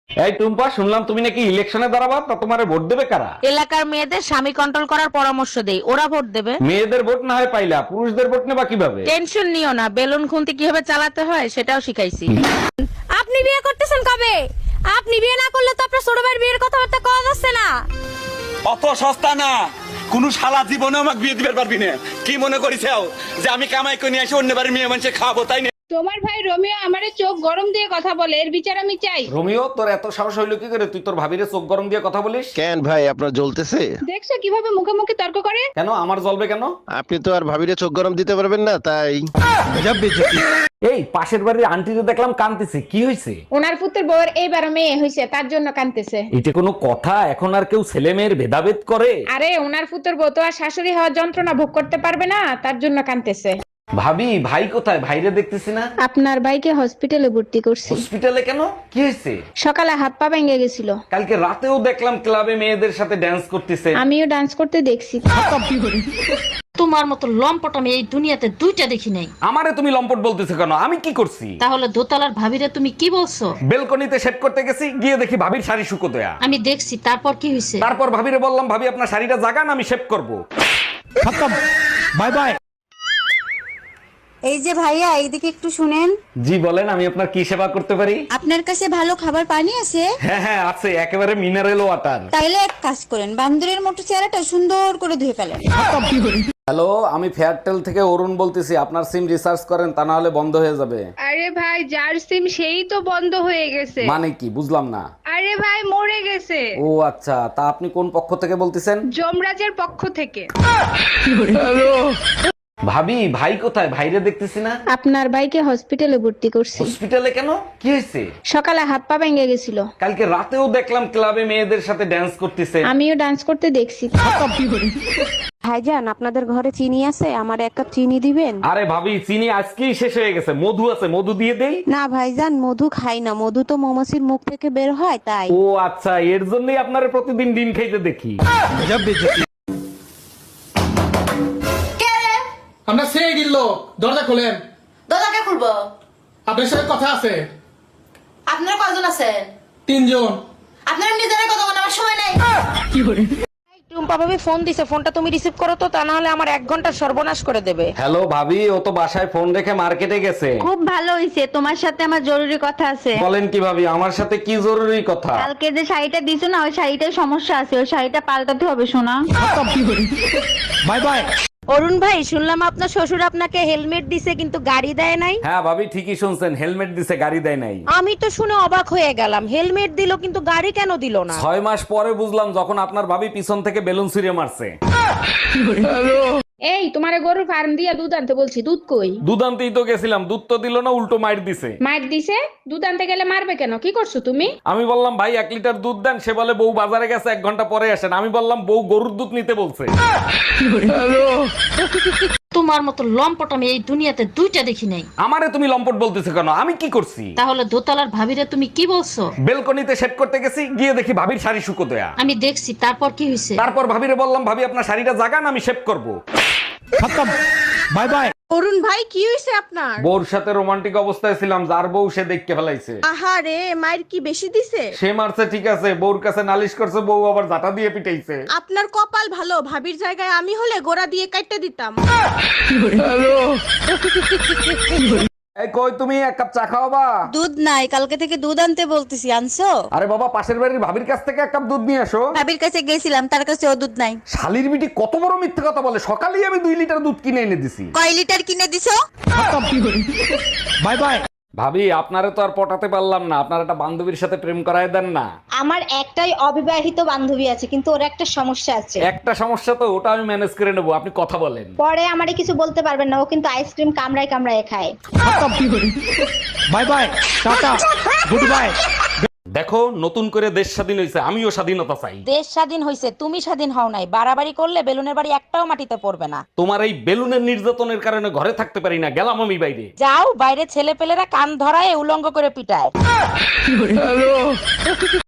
এই টুম্পা, শুনলাম তুমি নাকি ইলেকশনে দাঁড়াবা, তা তোমারে ভোট দেবে কারা? এলাকার মেয়েদের স্বামী কন্ট্রোল করার পরামর্শ দেই, ওরা ভোট দেবে। মেয়েদের ভোট না হয় পাইলা, পুরুষদের ভোট নেবা কিভাবে? টেনশন নিও না, বেলুন খুন্তি কিভাবে চালাতে হয় সেটাও শিখাইছি। আপনি বিয়ে করতেছেন কবে? আপনি বিয়ে না করলে তো আপনার ছোট ভাইয়ের বিয়ের কথাবার্তা কওয়া যাচ্ছে না। অত সস্তা না, কোন শালা জীবনে আমাকে বিয়ে দিতে পারবি না। কি মনে করিসেও যে আমি কামাই করে নিয়ে এসে অন্য বাড়ির মেয়ে মানুষে খাবো, তাই না? তোমার ভাই রোমিও আমারে চোখ গরম দিয়ে কথা বলে, এর বিচার আমি চাই। রোমিও, তোর এত সাহস হইলো কি করে তুই তোর ভাবিরে চোখ গরম দিয়ে কথা বলিস? কেন ভাই, আপনার জ্বলতেছে? দেখছো কিভাবে মুখে মুখে তর্ক করে? কেন আমার জ্বলবে কেন? আপনি তো আর ভাবিরে চোখ গরম দিতে পারবেন না, তাই। এই পাশের বাড়ির আন্টিতে দেখলাম কাঁদতেছে, কি হয়েছে? ওনার পুত্রের বউয়ের এইবার মেয়ে হয়েছে, তার জন্য কাঁদতেছে। এটা কোনো কথা? এখন আর কেউ ছেলে মেয়ের ভেদাভেদ করে? আরে ওনার পুত্রের বউ তো আর শাশুড়ি হওয়ার যন্ত্রণা ভোগ করতে পারবে না, তার জন্য কাঁদতেছে। ভাবি, ভাই কোথায়? ভাইরে দেখতেছি না। আপনার ভাইকে হসপিটালে ভর্তি করছি। হসপিটালে কেন? কি হয়েছে? সকালে হাত পা ভেঙে গেছিল। কালকে রাতেও দেখলাম ক্লাবে মেয়েদের সাথে ড্যান্স করতেছে। আমিও ডান্স করতে দেখছি। তোমার মতো লম্পট আমি এই দুনিয়াতে দুইটা দেখি নাই। আমারে তুমি লম্পট বলতেছো কেন? আমি কি করছি? তাহলে দোতলার ভাবিরে তুমি কি বলছো? বেলকনিতে সেট করতে গেছি, গিয়ে দেখি ভাবির শাড়ি শুকো দেয়া। আমি দেখছি, তারপর কি হয়েছে? তারপর ভাবিরে বললাম, ভাবি আপনার শাড়িটা জাগান, আমি শেভ করব। Bye bye. এই যে ভাইয়া, এইদিকে একটু শুনেন। জি বলেন, আমি আপনার কি সেবা করতে পারি? আপনার কাছে ভালো খাবার পানি আছে? হ্যাঁ হ্যাঁ আছে, একেবারে মিনারেল ওয়াটার। তাইলে এক কাজ করেন, বান্দরের মতো চেহারাটা সুন্দর করে ধুয়ে ফেলেন। হ্যালো, আমি ফেয়ারটেল থেকে অরুণ বলতেছি। আপনার সিম রিচার্জ করেন, তা না হলে বন্ধ হয়ে যাবে। আরে ভাই, যার সিম সেই তো বন্ধ হয়ে গেছে। মানে কি বুঝলাম না। আরে ভাই মরে গেছে। ও আচ্ছা, তা আপনি কোন পক্ষ থেকে বলতেছেন? যমরাজের পক্ষ থেকে। ভাবি, ভাই কোথায়? ভাইরে দেখতেছি না। আপনার ভাইকে হসপিটালে ভর্তি করছি। হসপিটালে কেন? কি হয়েছে? সকালে হাত পা ভেঙে গেছিল। কালকে রাতেও দেখলাম ক্লাবে মেয়েদের সাথে ড্যান্স করতেছে। আমিও ডান্স করতে দেখছি। ভাইজান, আপনাদের ঘরে চিনি আছে? আমার এক কাপ চিনি দিবেন? আরে ভাবি, চিনি আজকেই শেষ হয়ে গেছে। মধু আছে, মধু দিয়ে দেই? না ভাইজান, মধু খাই না, মধু তো মৌমাছির মুখ থেকে বের হয়, তাই। ও আচ্ছা, এর জন্যই আপনারা প্রতিদিন ডিম খাইতে দেখি। আমরা সেই দিল, দরজা খোলেন। দরজাকে খুলবো? আপনার সাথে কথা আছে। আপনারা কয়জন আছেন? 3 জন। আপনারা নিজেরা কথা বলার আমার সময় নাই। টুম্পা ভাবি ফোন দিছে, ফোনটা তুমি রিসিভ করো তো, তা না হলে আমার 1 ঘন্টা সর্বনাশ করে দেবে। হ্যালো ভাবি, ও তো বাসায় ফোন রেখে মার্কেটে গেছে। খুব ভালো হইছে, তোমার সাথে আমার জরুরি কথা আছে। বলেন কি ভাবি, আমার সাথে কি জরুরি কথা? কালকে যে শাড়িটা দিছো না, ওই শাড়িটায় সমস্যা আছে, ওই শাড়িটা পাল্টাতে হবে সোনা। Bye bye. অরুণ ভাই, শুনলাম আপনার শ্বশুর আপনাকে হেলমেট দিছে কিন্তু গাড়ি দেয় নাই। হ্যাঁ ভাবি, ঠিকই শুনছেন, হেলমেট দিছে, গাড়ি দেয় নাই। আমি তো শুনে অবাক হয়ে গেলাম, হেলমেট দিল কিন্তু গাড়ি কেন দিল না? 6 মাস পরে বুঝলাম, যখন আপনার ভাবি পিছন থেকে বেলুন ছুঁড়ে মারছে। এই তোমারে গরুর ফার্ম দিয়া দুধ আনতে বলছি, দুধ কই? দুধ আনতেই তো গেছিলাম, দুধ তো দিল না, উল্টো মাইর দিছে। মার দিছে? দুধ আনতে গেলে মারবে কেন? কি করছো তুমি? আমি বললাম ভাই 1 লিটার দুধ দেন, সে বলে বউ বাজারে গেছে, 1 ঘন্টা পরে আসেন। আমি বললাম বউ গরুর দুধ নিতে বলছে। তোমার মতো লম্পট আমি এই দুনিয়াতে দুইটা দেখি নাই। আমারে তুমি লম্পট বলতেছো কেন? আমি কি করছি? তাহলে দোতলার ভাবিরে তুমি কি বলছো? বেলকনিতে সেট করতে গেছি, গিয়ে দেখি ভাবির শাড়ি শুকো দেয়া। আমি দেখছি, তারপর কি হয়েছে? তারপর ভাবিরে বললাম, ভাবি আপনার শাড়িটা জাগান, আমি শেভ করব। Bye by. অরুণ ভাই, কি হইছে আপনার? বউর সাথে রোমান্টিক অবস্থায় ছিলাম, যার বউ সে দেখতে ফেলাইছে। আহারে, মায়ের কি বেশি দিছে? সে মারছে ঠিক আছে, বউর কাছে নালিশ করছে, বউ আবার জাটা দিয়ে পিটাইছে। আপনার কপাল ভালো, ভাবির জায়গায় আমি হলে গোড়া দিয়ে কাটতে দিতাম। এই কই তুমি, 1 কাপ চা খাওয়াবা? দুধ নাই, কালকে থেকে দুধ আনতে বলতেছি, আনছো? আরে বাবা, পাশের বাড়ির ভাবির কাছ থেকে 1 কাপ দুধ নিয়ে আসো। ভাবির কাছে গেছিলাম, তার কাছে ও দুধ নাই। শালির বিটি কত বড় মিথ্যে কথা বলে। সকালেই আমি 2 লিটার দুধ কিনে এনে দিছি। কয় লিটার কিনে দিছো? Bye bye. ভাবি, আপনারে তো আর পটাতে পারলাম না, আপনার একটা বান্ধবীর সাথে প্রেম করায় দেন না। আমার একটাই অবিবাহিত বান্ধবী আছে, কিন্তু ওর একটা সমস্যা আছে। একটা সমস্যা তো, ওটা আমি ম্যানেজ করে নেবো, আপনি কথা বলেন। পরে আমারে কিছু বলতে পারবেন না, ও কিন্তু আইসক্রিম কামড়ায় কামড়ায় খায়। বাই বাই, টাটা, গুড বাই। দেখো, নতুন করে দেশ স্বাধীন হয়েছে, আমিও স্বাধীনতা চাই। দেশ স্বাধীন হইছে, তুমি স্বাধীন হও নাই। বাড়াবাড়ি করলে বেলুনের বাড়ি একটাও মাটিতে পড়বে না। তোমার এই বেলুনের নির্যাতনের কারণে ঘরে থাকতে পারি না, গেলাম আমি বাইরে। যাও বাইরে, ছেলে পেলেরা কান ধরায় উলঙ্গ করে পিটায়।